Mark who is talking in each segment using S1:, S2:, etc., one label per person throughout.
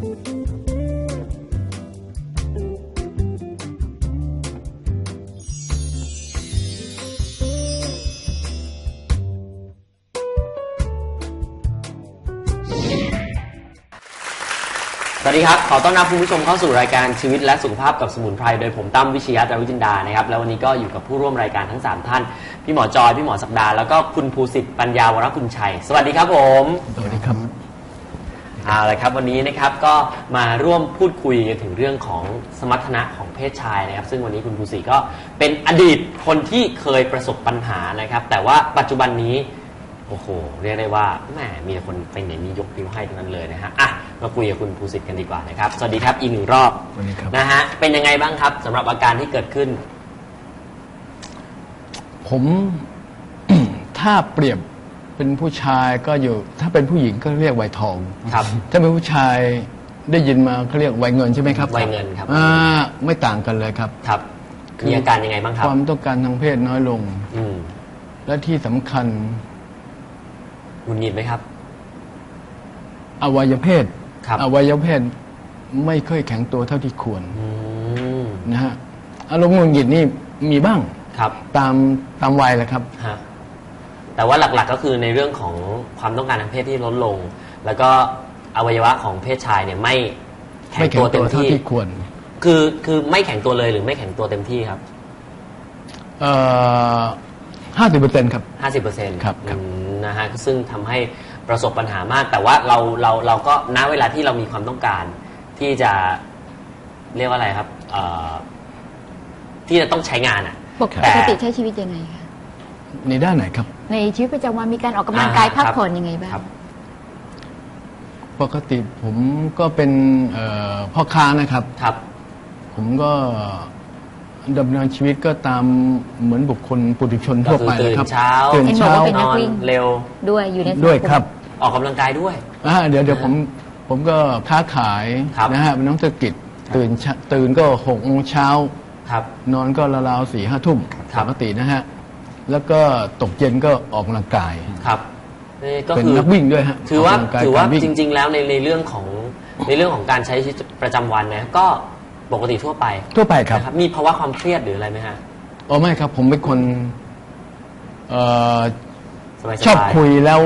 S1: สวัสดีครับขอต้อนรับคุณผู้ชมเข้าสู่รายการชีวิตและสุขภาพกับสมุนไพรโดยผมตั้มวิชยะ จารุจินดานะครับแล้ววันนี้ก็อยู่กับผู้ร่วมรายการทั้ง3ท่านพี่หมอจอยพี่หมอศักดาแล้วก็คุณภูสิทธิ์ปัญญาวรกุลชัยสวัสดีครับผม
S2: สวัสดีครับ
S1: เอาละครับวันนี้นะครับก็มาร่วมพูดคุยกันถึงเรื่องของสมรรถนะของเพศชายนะครับซึ่งวันนี้คุณภูสิทธิ์ก็เป็นอดีตคนที่เคยประสบปัญหานะครับแต่ว่าปัจจุบันนี้โอ้โหเรียกได้ว่าแหมมีคนไปไหนมียกนิ้วให้ทั้งนั้นเลยนะฮะอ่ะมาคุยกับคุณภูสิทธิ์กันดีกว่านะครับสวัสดีครับอีก1รอบนะฮะเป็นยังไงบ้างครับสำหรับอาการที่เกิดขึ้น
S2: ผม ถ้าเปรียบเป็นผู้ชายก็อยู่ถ้าเป็นผู้หญิงก็เรียกวัยทอง
S1: ครับ
S2: ถ้าเป็นผู้ชายได้ยินมาเขาเรียกวัยเงินใช่ไหมครับ
S1: วัยเงินครับ
S2: ไม่ต่างกันเลยครับ
S1: ครับมีอาการยังไงบ้างครับ
S2: ความต้องการทางเพศน้อยลงและที่สำคัญ
S1: หงุดหงิดไหมครับ
S2: อวัยวะเพศไม่ค่อยแข็งตัวเท่าที่ควรนะฮะอารมณ์หงุดหงิดนี่มีบ้าง
S1: ครับ
S2: ตามวัยแหละครับ
S1: แต่ว่าหลักๆก็คือในเรื่องของความต้องการทางเพศที่ลดลงแล้วก็อวัยวะของเพศชายเนี่ยไม่แข็งตัวเต็มที่
S2: ควร
S1: คือไม่แข็งตัวเลยหรือไม่แข็งตัวเต็มที่ครับ
S2: 50%ครับ
S1: 50%
S2: ครับ
S1: นะฮะซึ่งทำให้ประสบปัญหามากแต่ว่าเราก็ณเวลาที่เรามีความต้องการที่จะเรียกว่าอะไรครับที่จะต้องใช้งานอ่ะ
S3: ปกติใช้ชีวิตยังไงคะ
S2: ในด้านไหนครับ
S3: ในชีวิตประจำวันมีการออกกำลังกายพักผ่อนยังไงบ้าง
S2: ปกติผมก็เป็นพ่อค้านะครับผมก็ดำเนินชีวิตก็ตามเหมือนบุคคลปุถุชนทั่วไปนะครับ
S1: ตื่นเช้าน
S3: อน
S1: เร็ว
S3: ด้วยอยู่ใน
S2: ด้วยครับ
S1: ออกกำลังกายด้วย
S2: เดี๋ยวผมก็ค้าขายนะฮะเป็นนักธุรกิจตื่นก็6 โมงเช้านอนก็ราวๆ4 5 ทุ่มปกตินะฮะแล้วก็ตกเย็นก็ออกกำลังกาย
S1: ครับ
S2: ก็เป็นนักวิ่งด้วยฮะ
S1: ถือว่าจริงๆแล้วในเรื่องของการใช้ชีวิตประจำวันนะก็ปกติทั่วไป
S2: ครับ
S1: มีภาวะความเครียดหรืออะไรไหมฮะ
S2: ไม่ครับผมเป็นคนชอบคุยแล้ว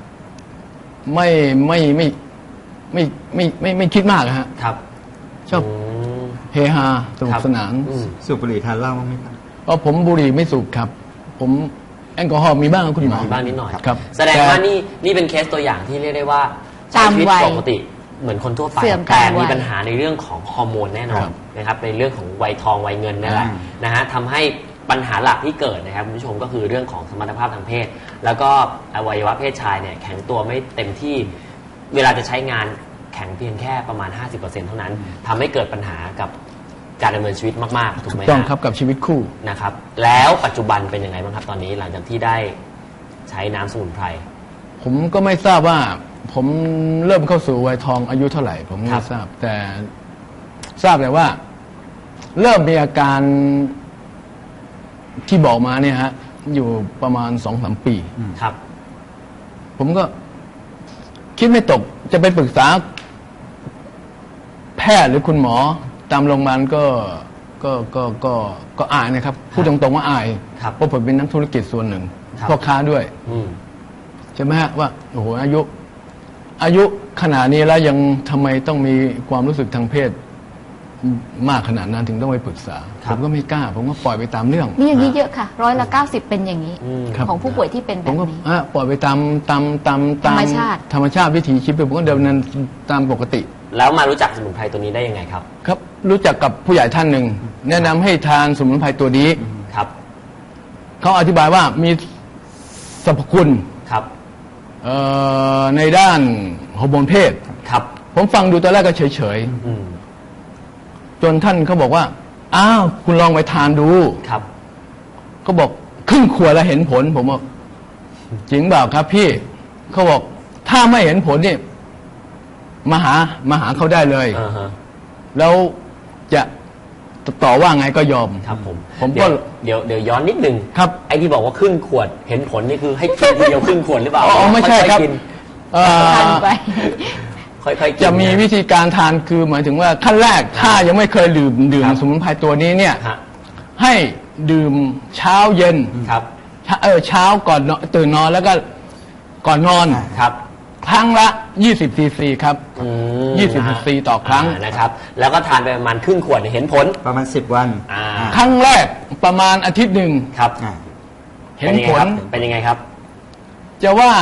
S2: ไม่คิดมากฮะ
S1: ครับ
S2: ชอบเฮฮาสนุกสนาน
S4: สูบบุหรี่ทานเหล้าบ้างไหมครับ
S2: ผมบุหรี่ไม่สูบครับผมแอลกอฮอล์มีบ้างคุณหมอ
S1: มีบ้างนิดหน่อย
S2: ครับ
S1: แสดงว่านี่เป็นเคสตัวอย่างที่เรียกได้ว่าใช้ชีวิตปกติเหมือนคนทั่วไปแต่มีปัญหาในเรื่องของฮอร์โมนแน่นอนนะครับในเรื่องของวัยทองวัยเงินนั่นแหละนะฮะทำให้ปัญหาหลักที่เกิดนะครับคุณผู้ชมก็คือเรื่องของสมรรถภาพทางเพศแล้วก็อวัยวะเพศชายเนี่ยแข็งตัวไม่เต็มที่เวลาจะใช้งานแข็งเพียงแค่ประมาณ 50% เท่านั้นทำให้เกิดปัญหากับการดำเนินชีวิตมากๆถูกไหม
S2: ต้องครับกับชีวิตคู่
S1: นะครับแล้วปัจจุบันเป็นยังไงบ้างครับตอนนี้หลังจากที่ได้ใช้น้ำสมุนไพร
S2: ผมก็ไม่ทราบว่าผมเริ่มเข้าสู่วัยทองอายุเท่าไหร่ผมไม่ทราบแต่ทราบเลยว่าเริ่มมีอาการที่บอกมาเนี่ยฮะอยู่ประมาณ 2-3 ปี
S1: ครับ
S2: ผมก็คิดไม่ตกจะไปปรึกษาแพทย์หรือคุณหมอตามโรงพยาบาลก็อายนะครับพูดตรงๆว่าอายเพราะผมเป็นนักธุรกิจส่วนหนึ่งพ่อค้าด้วยใช่ไหมฮะว่าโอ้โหอายุขนาดนี้แล้วยังทำไมต้องมีความรู้สึกทางเพศมากขนาดนั้นถึงต้องไปปรึกษาผมก็ไม่กล้าผมก็ปล่อยไปตามเรื่อง
S3: นี่อย่างนี้เยอะค่ะ90%เป็นอย่างนี้ของผู้ป่วยที่เป็นแบบนี้
S2: ปล่อยไปตามธรรมชาติวิถีชีวิตผมก็เดินนั้นตามปกติ
S1: แล้วมารู้จักสมุนไพรตัวนี้ได้ยังไงครับ
S2: ครับรู้จักกับผู้ใหญ่ท่านหนึ่งแนะนำให้ทานสมุนไพรตัวนี้
S1: ครับ
S2: เขาอธิบายว่ามีสรรพคุณ
S1: ครับ
S2: ในด้านฮอร์โมนเพศ
S1: ครับ
S2: ผมฟังดูตอนแรกก็เฉยๆจนท่านเขาบอกว่าอ้าวคุณลองไปทานดู
S1: ครับ
S2: ก็บอกครึ่งขวดแล้วเห็นผลผมบอกจริงเปล่าครับพี่เขาบอกถ้าไม่เห็นผลนี่มาหาเขาได้เลยแล้วจะต่อว่าไงก็ยอม
S1: ครับผมก็เดี๋ยวย้อนนิดนึง
S2: ครับ
S1: ไอ้ที่บอกว่าครึ่งขวดเห็นผลนี่คือให้กินทีเดียวครึ่งขวดหรือเปล่า
S2: ไม่ใช่ครับ
S1: ค่อยๆกิน
S2: จะมีวิธีการทานคือหมายถึงว่าขั้นแรกถ้ายังไม่เคยดื่มสมุนไพรตัวนี้เนี่ย
S1: ฮะ
S2: ให้ดื่มเช้าเย็น
S1: ครับ
S2: เช้าก่อนนอนตื่นนอนแล้วก็ก่อนนอน
S1: ครับ
S2: ครั้งละ20 ซีซีครับ 20 ซีซีต่อครั้ง
S1: นะครับ แล้วก็ทานไปประมาณครึ่งขวดเห็นผล
S4: ประมาณ10 วัน
S2: ครั้งแรกประมาณอาทิตย์หนึ่ง
S1: ครับ
S2: เห็นผล
S1: เป็นยังไงครับ
S2: จะว่า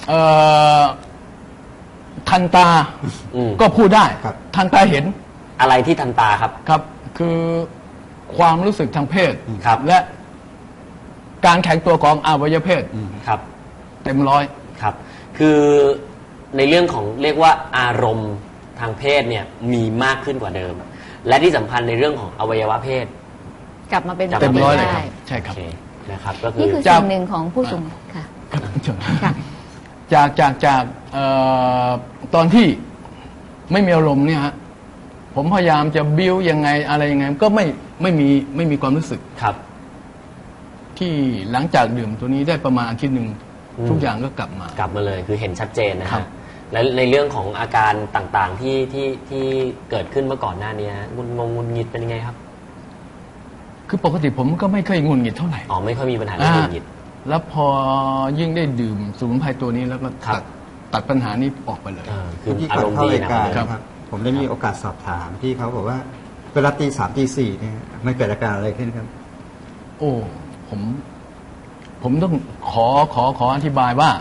S2: ทันตา
S1: อืม
S2: ก็พูดได้
S4: ครับ
S2: ทันตาเห็น
S1: อะไรที่ทันตาครับ
S2: ครับ คือความรู้สึกทางเพศ
S1: ครับ
S2: และการแข็งตัวของอวัยวะเพศ
S1: ครับ
S2: เต็มร้อย
S1: ครับ คือในเรื่องของเรียกว่าอารมณ์ทางเพศเนี่ยมีมากขึ้นกว่าเดิม และที่สำคัญในเรื่องของอวัยวะเพศ
S3: กลับมาเป็น
S2: เต็มร้อย
S3: ปกติ
S2: เลยครับ
S3: ได้
S2: ใช่ครับ
S1: โอเคนะครับ ก็คื
S3: นี่
S1: อ
S3: คือส่วนหนึ่งของผู้สูงค่ะ ค่ะ
S2: จากตอนที่ไม่มีอารมณ์เนี่ยฮะผมพยายามจะบิ้วยังไงอะไรยังไงก็ไม่มีความรู้สึก
S1: ครับ
S2: ที่หลังจากดื่มตัวนี้ได้ประมาณอาทิตย์หนึ่ง
S1: อืม
S2: ทุกอย่างก็กลับมา
S1: กลับมาเลยคือเห็นชัดเจนนะ
S2: ครั
S1: ฮะ
S2: บ
S1: และในเรื่องของอาการต่างๆที่เกิดขึ้นเมื่อก่อนหน้านี้ฮะงุนงิดเป็นยังไงครับ
S2: คือปกติผมก็ไม่เคยงุนงิดเท่าไหร่
S1: อ๋อไม่ค่อยมีปัญหาเรื่องงุนงิด
S2: แล้วพอยิ่งได้ดื่มสมุนไพรตัวนี้แล้วก็
S1: ครับ
S2: ตัดปัญหานี้ออกไปเลย
S1: คือ
S4: ที่
S1: อา
S4: ก่
S1: ร
S4: อน
S1: มณ์
S4: เข้า
S1: ดี
S4: ราย
S1: นะ
S4: การ
S2: ครับ
S4: นะครับ ผมได้มีโอกาสสอบถามพี่เขาบอกว่าเวลาตี3ตี4เนี่ยมันเกิดอาการอะไรขึ้นครับ
S2: โอ้ผมต้องขออธิบายว่า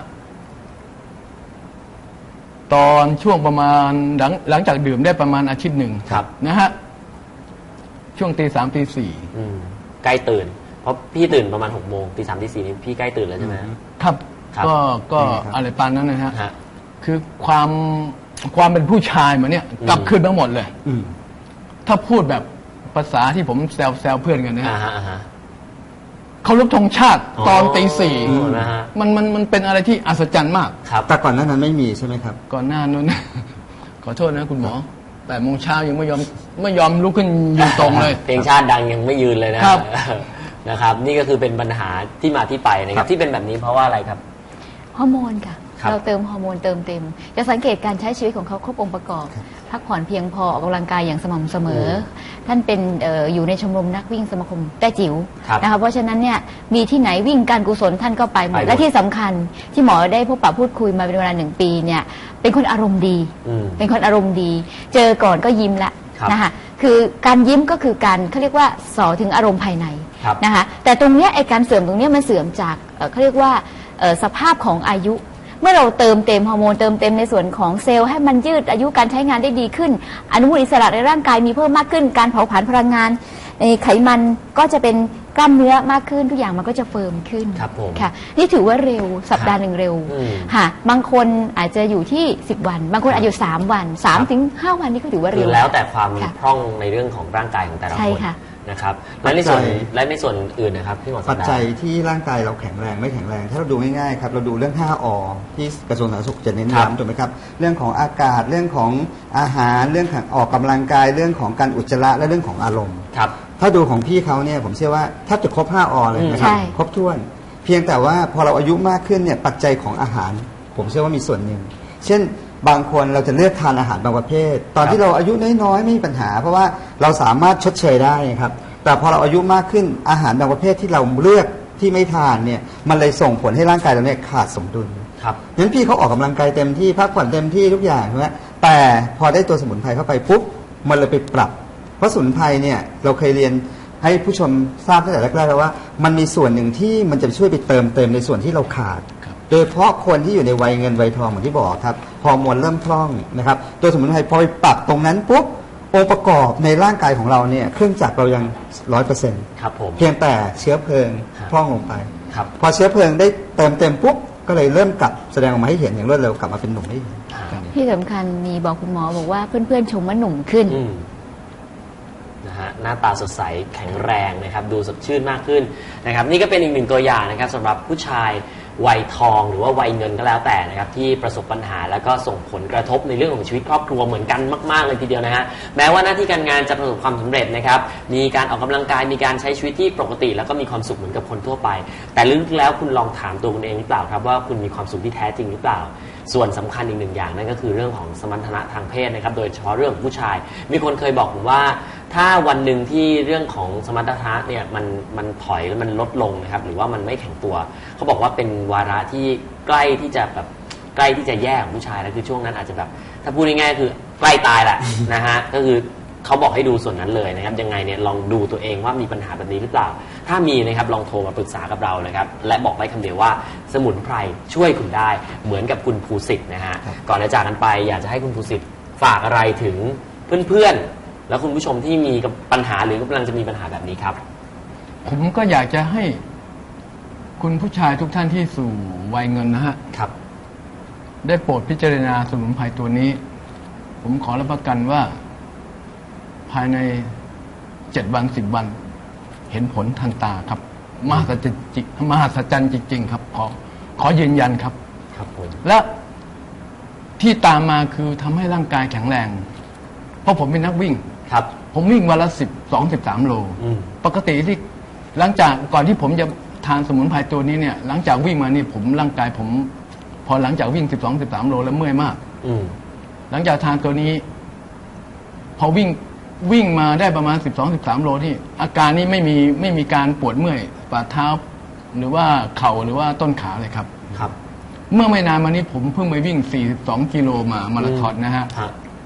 S2: ตอนช่วงประมาณหลังจากดื่มได้ประมาณอาทิตย์หนึ่ง
S1: ครับ
S2: นะฮะช่วงตี 3ตี
S1: อืมใกล้ตื่น เพราะพี่ตื่นประมาณ6 โมงตี 3ตี 4นี่พี่ใกล้ตื่นแล้วใช่ไหมฮะ
S2: 4ครับ
S1: ครับ
S2: ก็
S4: เป็นไงครับ
S2: อะไรปานนั้นนะฮะ
S1: ฮะ
S2: คือความเป็นผู้ชายมาเนี่ยกลับคืนมาหมดเลย
S4: อืม
S2: ถ้าพูดแบบภาษาที่ผมแซวเพื่อนกันนะ
S1: อ่า
S2: ฮะ
S1: ฮะอ่าฮะ
S2: เคารพธงชาติตอนตี
S1: อ๋อนะฮะ
S2: มันเป็นอะไรที่อัศจรรย์มาก
S1: ครับ
S4: แต่ก่อนหนั้นไม่มีใช่ไหมครับ
S2: ก่อนหน้านั้น ขอโทษนะคุณหมอ8 โมงเช้ายังไม่ยอมลุกขึ้นยืนตรงเลย
S1: เพลงชาติดังยังไม่ยืนเลยนะครับ นะครับ นี่ก็คือเป็นปัญหาที่มาที่ไปนะครับ ที่เป็นแบบนี้เพราะว่าอะไรครับ
S3: ฮอร์โมนค่ะ
S1: ครับ
S3: เราเติมฮอร์โมนเติมเต็ม จะสังเกตการใช้ชีวิตของเขาครบองค์ประกอบ พักผ่อนเพียงพอออกกำลังกายอย่างสม่ำเสมอ ท่านเป็นอยู่ในชมรมนักวิ่งสมาคมแต้จิ๋ว
S1: ครับ
S3: นะคะเพราะฉะนั้นเนี่ยมีที่ไหนวิ่งการกุศลท่านก็ไปหม
S1: ไป
S3: ด
S1: หมด
S3: และที่สำคัญที่หมอได้พบปะพูดคุยมาเป็นเวลา1 ปีเนี่ยเป็นคนอารมณ์ดี
S1: อืม
S3: เป็นคนอารมณ์ดี เจอก่อนก็ยิ้มละ
S1: ครับ
S3: นะคะคือการยิ้มก็คือการเขาเรียกว่าส่อถึงอารมณ์ภายใน
S1: ครับ
S3: นะคะแต่ตรงเนี้ยไอการเสื่อมตรงเนี้ยมันเสื่อมจากเขาเรียกว่าสภาพของอายุ เมื่อเราเติมเต็มฮอร์โมนเติมเต็มในส่วนของเซลล์ให้มันยืดอายุการใช้งานได้ดีขึ้น อนุมูลอิสระในร่างกายมีเพิ่มมากขึ้น การเผาผลาญพลังงานในไขมันก็จะเป็นกล้ามเนื้อมากขึ้นทุกอย่างมันก็จะเฟิร์มขึ้น
S1: ครับผม
S3: ค่ะนี่ถือว่าเร็วสัปดาห์หนึ่งเร็ว
S1: อืม
S3: ค่ะบางคนอาจจะอยู่ที่10 วัน บางคนอาจจะอยู่3 วัน
S1: ครับ
S3: 3 ถึง 5 วันนี่ก็ถือว่า
S1: คื
S3: เร็
S1: อ
S3: ว
S1: แล้วแต่ความ
S3: ค่ะ
S1: พร่องในเรื่องของร่างกายของแต่ละ
S3: ใช่
S1: คน
S3: ค่ะ
S1: นะครับและในส่วน
S4: ปัจจัย
S1: และในส่วนอื่นนะครับพี่หมอ
S4: ปั
S1: สั
S4: จ
S1: ปดา
S4: จัย
S1: ห์
S4: ที่ร่างกายเราแข็งแรงไม่แข็งแรง ถ้าเราดูง่ายๆครับเราดูเรื่อง 5 อ ที่กระทรวงสาธารณสุขจะเน้น
S1: ครับ
S4: ย้ำถูกไหมครับเรื่องของอากาศเรื่องของอาหารเรื่องของออกกำลังกายเรื่องของการอุจจาระและเรื่องของอารมณ์
S1: ครับ
S4: ถ้าดูของพี่เขาเนี่ยผมเชื่อว่าแทบจะครบ 5 อ เลยนะครับ
S3: ใช่
S4: ครบถ้วน เพียงแต่ว่าพอเราอายุมากขึ้นเนี่ยปัจจัยของอาหาร ผมเชื่อว่ามีส่วนหนึ่ง เช่นบางคนเราจะเลือกทานอาหารบางประเภท ตอนที่เราอายุน้อยๆไม่มีปัญหา เพราะว่าเราสามารถชดเชยได้ครับแต่พอเราอายุมากขึ้นอาหารบางประเภทที่เราเลือกที่ไม่ทานเนี่ยมันเลยส่งผลให้ร่างกายเราเนี่ยขาดสมดุล
S1: ครับ
S4: งั้นพี่เขาออกกำลังกายเต็มที่พักผ่อนเต็มที่ทุกอย่างใช่ไหมแต่พอได้ตัวสมุนไพรเข้าไปปุ๊บมันเลยไปปรับ เพราะสมุนไพรเนี่ยเราเคยเรียนให้ผู้ชมทราบตั้งแต่แรกๆแล้วว่ามันมีส่วนหนึ่งที่มันจะช่วยไปเติมเต็มในส่วนที่เราขาด โดยเฉพาะคนที่อยู่ในวัยเงินวัยทองเหมือนที่บอกครับฮอร์โมนเริ่มพร่องนะครับตัวสมุนไพรพอไปปรับตรงนั้นปุ๊บองค์ประกอบในร่างกายของเราเนี่ยเครื่องจักรเรายัง 100%
S1: ครับผม
S4: เพียงแต่เชื้อเพลิง
S1: ครับ
S4: พร่องลงไป
S1: ครับ
S4: พอเชื้อเพลิงได้เติมเต็มปุ๊บก็เลยเริ่มกลับแสดงออกมาให้เห็นอย่างรวดเร็วกลับมาเป็นหนุ่มได้เห็น
S3: ที่สำคัญมีบอกคุณหมอบอกว่าเพื่อนๆชมว่าหนุ่มขึ้น
S1: อืมนะฮะหน้าตาสดใสแข็งแรงนะครับดูสดชื่นมากขึ้นนะครับนี่ก็เป็นอีกหนึ่งตัวอย่างนะครับสำหรับผู้ชายวัยทองหรือว่าวัยเงินก็แล้วแต่นะครับที่ประสบปัญหาแล้วก็ส่งผลกระทบในเรื่องของชีวิตครอบครัวเหมือนกันมากๆเลยทีเดียวนะฮะแม้ว่าหน้าที่การงานจะประสบความสำเร็จนะครับมีการออกกำลังกายมีการใช้ชีวิตที่ปกติแล้วก็มีความสุขเหมือนกับคนทั่วไปแต่ลึกๆแล้วคุณลองถามตัวคุณเองหรือเปล่าครับว่าคุณมีความสุขที่แท้จริงหรือเปล่าส่วนสำคัญอีกหนึ่งอย่างนั่นก็คือเรื่องของสมรรถนะทางเพศนะครับโดยเฉพาะเรื่องของผู้ชายมีคนเคยบอกผมว่าถ้าวันหนึ่งที่เรื่องของสมรรถนะเนี่ยมันถอยแล้วมันลดลงนะครับหรือว่ามันไม่แข็งตัวเขาบอกว่าเป็นวาระที่ใกล้ที่จะแย่ของผู้ชายแล้วคือช่วงนั้นอาจจะแบบถ้าพูดง่ายๆคือใกล้ตายแหละ นะฮะก็คือเขาบอกให้ดูส่วนนั้นเลยนะครับยังไงเนี่ยลองดูตัวเองว่ามีปัญหาแบบนี้หรือเปล่าถ้ามีนะครับลองโทรมาปรึกษากับเรานะครับและบอกไว้คำเดียวว่าสมุนไพรช่วยคุณได้เหมือนกับคุณภูสิทธิ์นะฮะก่อนจะจากกันไปอยากจะให้คุณภูสิทธิ์ฝากอะไรถึงเพื่อนๆแล้วคุณผู้ชมที่มีปัญหาหรือกำลังจะมีปัญหาแบบนี้ครับ
S2: ผมก็อยากจะให้คุณผู้ชายทุกท่านที่สู่วัยเงินนะฮะ
S1: ครับ
S2: ได้โปรดพิจารณาสมุนไพรตัวนี้ผมขอรับประกันว่าภายใน7 วัน10 วันเห็นผลทันตาครับมหัศจรรย์จริงๆครับขอยืนยันครับ
S1: ครับผม
S2: และที่ตามมาคือทำให้ร่างกายแข็งแรงเพราะผมเป็นนักวิ่ง
S1: ครับ
S2: ผมวิ่งวันละ12-13 โลปกติที่หลังจากก่อนที่ผมจะทานสมุนไพรตัวนี้เนี่ยหลังจากวิ่งมานี่ผมร่างกายผมพอหลังจากวิ่ง12-13 โลแล้วเมื่อยมากหลังจากทานตัวนี้พอวิ่งมาได้ประมาณ12-13 โลที่อาการนี้ไม่มีการปวดเมื่อยฝ่าเท้าหรือว่าเข่าหรือว่าต้นขาเลยครับ
S1: ครับ
S2: เมื่อไม่นานมานี้ผมเพิ่งไปวิ่ง42 กิโลมาราธอนนะฮะ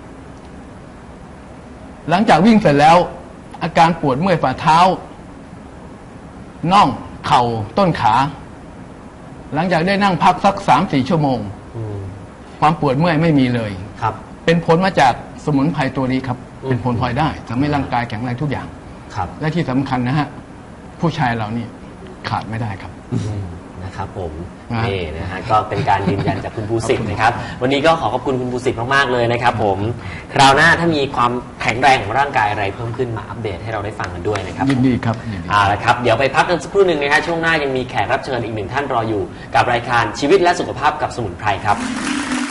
S2: หลังจากวิ่งเสร็จแล้วอาการปวดเมื่อยฝ่าเท้าน่องเข่าต้นขาหลังจากได้นั่งพักสัก 3-4 ชั่วโมงความปวดเมื่อยไม่มีเลย
S1: ครับ
S2: เป็นผลมาจากสมุนไพรตัวนี้ครับเป็นผลพลอยได้ทำให้ร่างกายแข็งแรงทุกอย่าง
S1: ครับ
S2: และที่สำคัญนะฮะผู้ชายเรานี่ขาดไม่ได้ครับ
S1: นะครับผมนี่นะฮะก็เป็นการยืนยันจากคุณภูสิทธิ์นะครับวันนี้ก็ขอบคุณคุณภูสิทธิ์มากๆเลยนะครับผมคราวหน้าถ้ามีความแข็งแรงของร่างกายอะไรเพิ่มขึ้นมาอัปเดตให้เราได้ฟังกันด้วยนะครับ
S2: ยินดีครับ
S1: ละครับเดี๋ยวไปพักกันสักครู่หนึ่งนะครับช่วงหน้ายังมีแขกรับเชิญอีกหนึ่งท่านรออยู่กับรายการชีวิตและสุขภาพกับสมุนไพรครับ